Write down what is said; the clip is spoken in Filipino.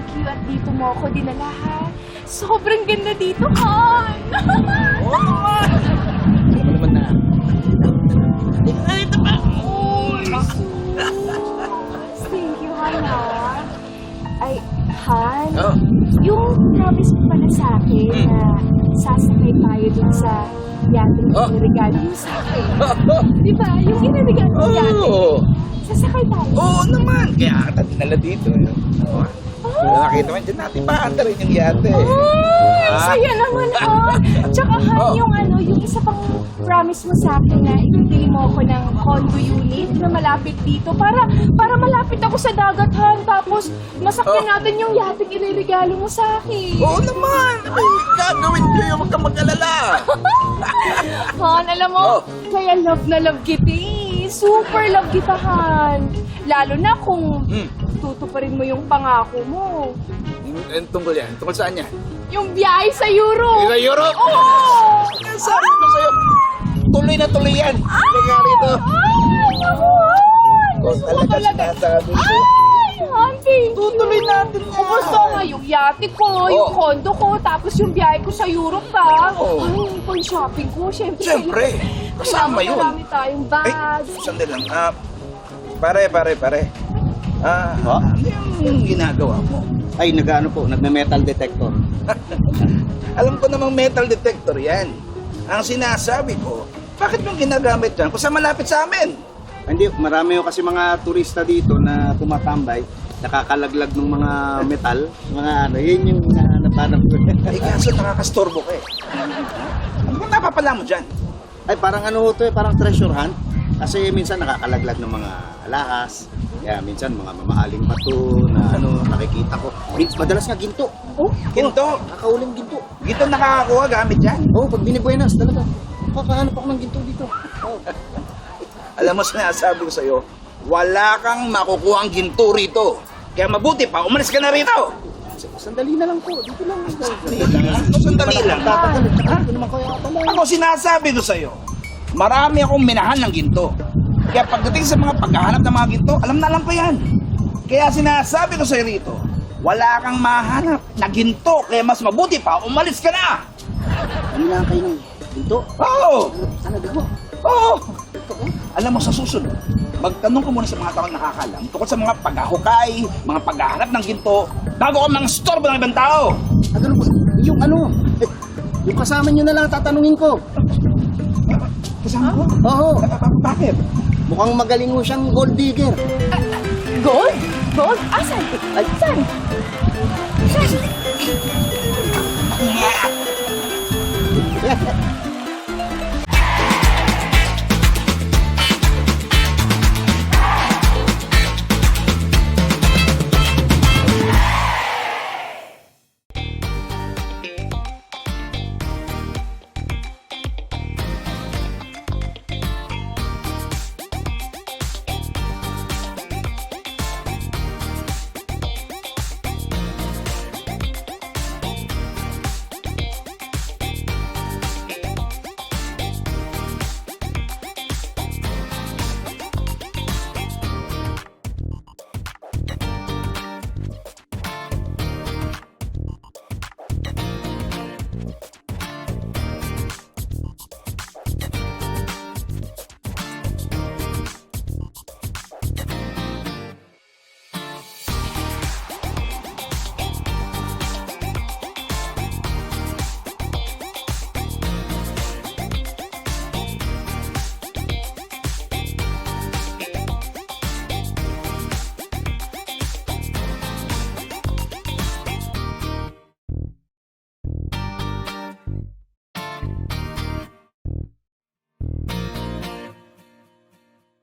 you at dito mo ako dinala, ha? Sobrang ganda dito, Han! Oo naman! Hindi mo naman na. Ito pa! Thank you, Han, ha? Ay, Han, Oh. yung promise mo pala sa akin na sasakay tayo dun sa yate na regalo mo sa akin. Di ba? Yung iniregalo mo yate. Oo. Sasakay tayo. Oo naman! Kaya ata dinala dito. Oo. Nakita mo dyan natin paanda rin yung yate. Saya naman, ha? Tsaka, Han, yung isa pang promise mo sa akin na ibibili mo ako ng condo unit na malapit dito para malapit ako sa dagat, Han. Tapos, masakyan natin yung yate iniregalo mo sa akin. Oo naman! Ay, gagawin ko yung huwag kang mag-alala. Han, alam mo, kaya love na love kita eh. Super love kita, Han. Lalo na kung tutuparin mo yung pangako mo. Tungkol yan? Tungkol saan yan? Yung biyahe sa Europe. Sa Europe? Oo! Sabi ko sa'yo, tuloy na tuloy yan. Kaya rito. Ay, naku, Han! Talaga sinasabi ko. Ay, Han, thank you. Tutuloy natin yan. Gusto nga yung yate ko, yung condo ko, tapos yung biyahe ko sa Europe, ha? Oo. Ay, yung pang-shopping ko, syempre. Siyempre, kasama yun. Marami tayong bags. Sandali lang. Pare. Ano yung ginagawa mo? Ay, nagme-metal detector. Alam ko namang metal detector yan. Ang sinasabi ko, bakit yung ginagamit yan kung sa malapit sa amin? Hindi, marami yung kasi mga turista dito na tumatambay, nakakalaglag ng mga metal, yun yung napanap ko. Ay, kaso nakakastorbo ka eh. Ano ba napapala mo dyan? Ay, parang parang treasure hunt. Kasi minsan nakakalaglag ng mga alahas, kaya minsan mga mamahaling bato na nakikita ko. Madalas nga ginto. Oh, Ginto? Nakakauling ginto. Ginto nakakakuha gamit yan. Pag binibuenas talaga. Kakahanap ako ng ginto dito. Alam mo, sinasabi ko sa'yo, wala kang makukuha ang ginto rito. Kaya mabuti pa, umalis ka na rito. Sandali na lang po, dito lang. Sandali lang. Dito naman kayo atala. Ako sinasabi ko sa'yo, marami akong minahan ng ginto. Kaya pagdating sa mga paghahanap ng mga ginto, alam na alam ko yan. Kaya sinasabi ko sa'yo rito, wala kang mahanap na ginto. Kaya mas mabuti pa, umalis ka na. Ano lang kayo ng ginto? Oo! Talaga mo? Oo! Alam mo, sa susunod, magtanong ka muna sa mga taong nakakalam tungkol sa mga paghahukay, mga paghahanap ng ginto, bago ka mang storbo ng ibang tao. Ganun po. Yung kasama nyo na lang tatanungin ko. Kasama ko? Oo. Bakit? Mukhang magaling mo siyang gold digger. gold? Gold? Asan? Ay. Saan? Saan?